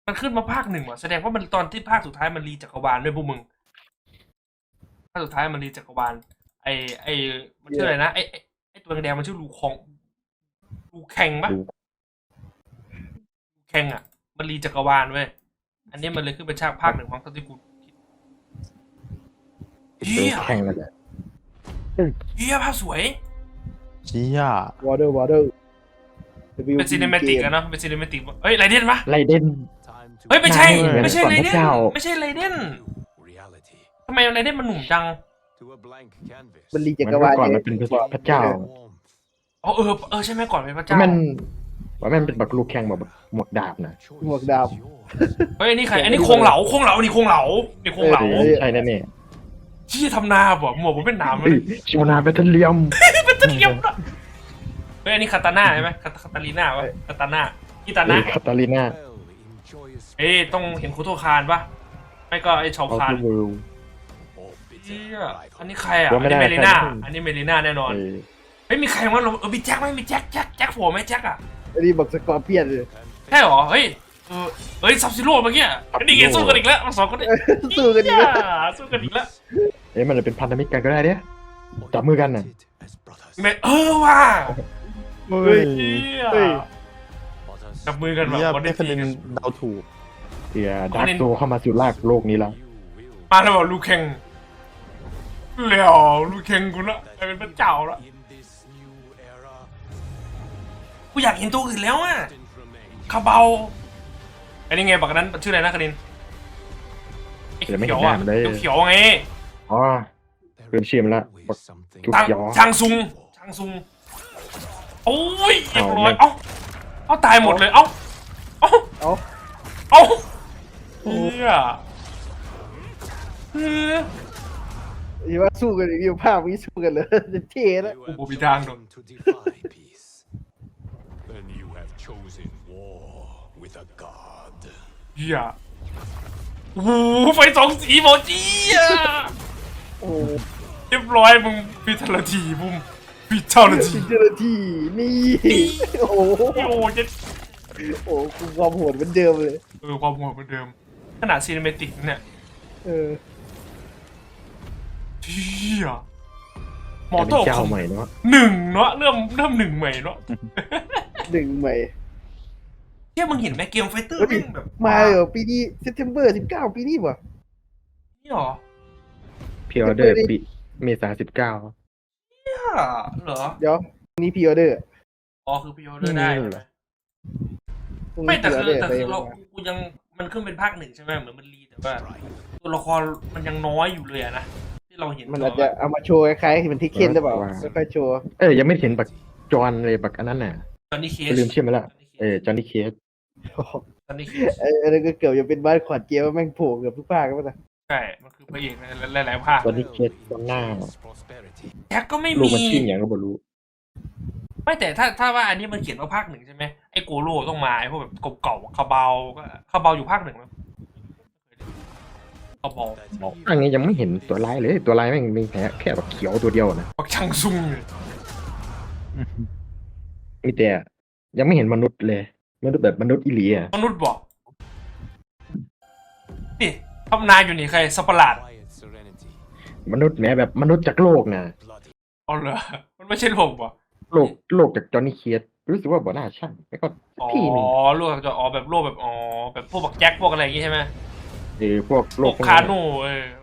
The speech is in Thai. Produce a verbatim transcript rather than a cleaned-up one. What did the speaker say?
มันขึ้นมาภาคหนึ่งว่ะแสดงว่ามันตอนที่ภาคสุดท้ายมันรีจักรวาลด้วยพวกมึงภาคสุดท้ายมันรีจักรวาลไอไอมันชื่ออะไรนะไอไอไอตัวแดงๆมันชื่อลูคองลูแข่งปะลูแข่งอ่ะ มันรีจักรวาลเว้ยอันนี้มันเลยขึ้นเป็นฉากภาคหนึ่งของตอนที่กูเฮียแข่งกันแหละเฮียภาพสวยเชี่ยวอเตอร์วอเตอร์เป็นซีนิเมติกอะเนาะเป็นซีนิเมติกเฮ้ยไรเดนปะไรเด่นเฮ้ยไม่ใช่เหมือนไม่ใช่ก่อนไรพเดระนเจ้าไม่ใช่ไรเดนทำไมไรเดนมันหนุ่มจังมันรีเหจัมือนกรวาลก่อนมันเป็นพระเจ้าอ๋อเออเออใช่ไหมก่อนเป็นพระเจ้ามันว่ามันเป็นแบบลูกแข่งแบบหมวกดาบนะหมวกดาบเฮ้ยอันนี้ใครอันนี้โคงเหลาโคงเหลานี่โคงเหลานี่โคงเหลาเออใช่แน่แน่ที่ทำนาบ่หมวกผมเป็นหนามเลเฮ้ยยชิวนาเบตเทเลียมเป็นตะเกียบนะเฮ้ยอันนี้คาตาน่าใช่ไหมคาคาตาลีน่าวะคาตาน่ากิตาเฮ้น่ายคาตาลิน่าเอ้ยต้องเห็นโคโตคานปะไม่ก็ไอชาวเอาคานทูเวิลด์เฮียอันนี้ใครอ่ะอันนี้เมลิน่าอันนี้เมลิน่าแน่นอนเออเฮ้ยมีใครวะเราเออมีแจ็คไหมมีแจ็คแจ็คแจ็คโผล่ไหมแจ็คอ่ะอันนี้บอกสกอร์เปียนเลยใช่หรอเฮ้ยเออเฮ้ยซับซิโร่เมื่อกี้อันนี้ไงสู้กันอีกแล้วมาสองคนนี้สู้กันดีเหี้นะยสู้กันอีกแล้วเอ๊ะมันจะเป็นพันธมิตรกันก็ได้เนี่ยจับมือกันน่ะไม่เออว่ะเฮ้ยเฮียเฮ้ยจับมือกันแบบเนี่ยวันได้นี้คะแนนเดาถูกเสียดาร์กโซเข้ามาสู่ลากโลกนี้แล้วมาแล้วบอกลูกแข่งแล้วลูกแข่งกูละกลายเป็นพระเจ้าละกูอยากเห็นตัวอื่นแล้วอ่ะคาเบาอันนี้ไงบักนั้นชื่ออะไรนะคณินไอ้เดี๋ยวไม่เขีเห็ยนวหน้าอ่ะมันเลยเขียวๆไงอ๋อเริ่มเชียมแล้วบักจุกทางยอทางซุงทางซุงโอ้ยเรียบร้อยเอาเอ้าเอ้าตายหมดเลยเอ้าเอ้าเอาเอ้าเฮียเออที่ว่าสู้กันอีกทีภาพนี้สู้กันเลยจะเท่แล้วกูบ่มีทางหรอก Then you have chosen war with a god. เฮียโอ้โหไฟสองสีหมอจีอ่ะโอ้เรียบร้อยมึงพิทลทีบุ้มพิทลทีสิเจอร์ทีนี่โอ้โหโอ้ยดโอ้โหความโหดเหมือนเดิมเลยเออความโหดเหมือนเดิมขนาดซีนิเมติกเนี่ยเออเฮียหมอแต่เป็โต้นเจ้าคอมใหม่เนาะหนึ่งเนาะเริ่มเริ่มหนึ่งใหม่เนาะหนึ่งใหม่เฮียมึงเห็นไหมเกมไฟเตอร์เฮ้ยแม่งแบบมาเหรอปีนี้เซปเทมเบอร์สิบเก้าปีนี้วะนี่หรอพิออเดอร์ปีเมษาสิบเก้าเนี่ยเหรอเดี๋ยวพรุ่งนี้พีออเดอร์อ๋อคือพิออเดอร์ได้ใช่ไหมพรุ่งไม่นี้แต่พีออคืเดออร์แต่ไปคือเรากูยังมันขึ้นเป็นภาคหนึ่งใช่ไหมเหมือนมันรีแต่ว่าตัวละครมันยังน้อยอยู่เลยอะนะที่เราเห็นมันอาจจะเอามาโชว์คล้ายๆที่มันทิเคนหรือเปล่าไม่ค่อยโชว์เอ้ยยังไม่เห็นบักจอนเลยบักอันนั้นน่ะตอนนี้เคสลืมชื่อมันละเออจอห์นนี่เคสตอนนี้เคสไอ้อันนั้นก็เกือบจะเป็นบ้านขวัญเกียวแม่งโผล่เกือบทุกภาคแล้วป่ะใช่มันคือพระเอกในหลายๆภาคจอห์นนี่เคสตอนหน้าแจ็คก็ไม่ลูกมีมันชื่ออย่างก็บ่รู้ไม่แต่ถ้าถ้าว่าอันนี้มันเขียนว่าภาคหนึ่งใช่ไหมไอ้โกโร่ต้องมาไอ้พวกแบบเก่าๆคาเบาก็คาเบาอยู่ภาคหนึ่งไหมคาเบาอันนี้ยังไม่เห็นตัวร้ายเลยตัวร้ายแม่งมีแค่แค่แบบเขียวตัวเดียวนะปักชังซุงเลยมีแต่ยังไม่เห็นมนุษย์เลยมนุษย์แบบมนุษย์อิเลียมนุษย์บอกนี่ทำนายอยู่นี่ใครสัปหลาดมนุษย์แม้แบบมนุษย์จากโลกนะอ๋อเหรอมันไม่ใช่โลกป่ะโลกโลกจากจอห์นนี่เคสรู้สึกว่าบ่น่าใช่แล้วก็อ๋อพี่หนึ่งโลกจะอ๋อแบบโลกแบบอ๋อแบบพวกบักแจ็คพวกอะไรอย่างงี้ใช่ไหมเออพวกโลโลกกพวกคานั้นโน่เออ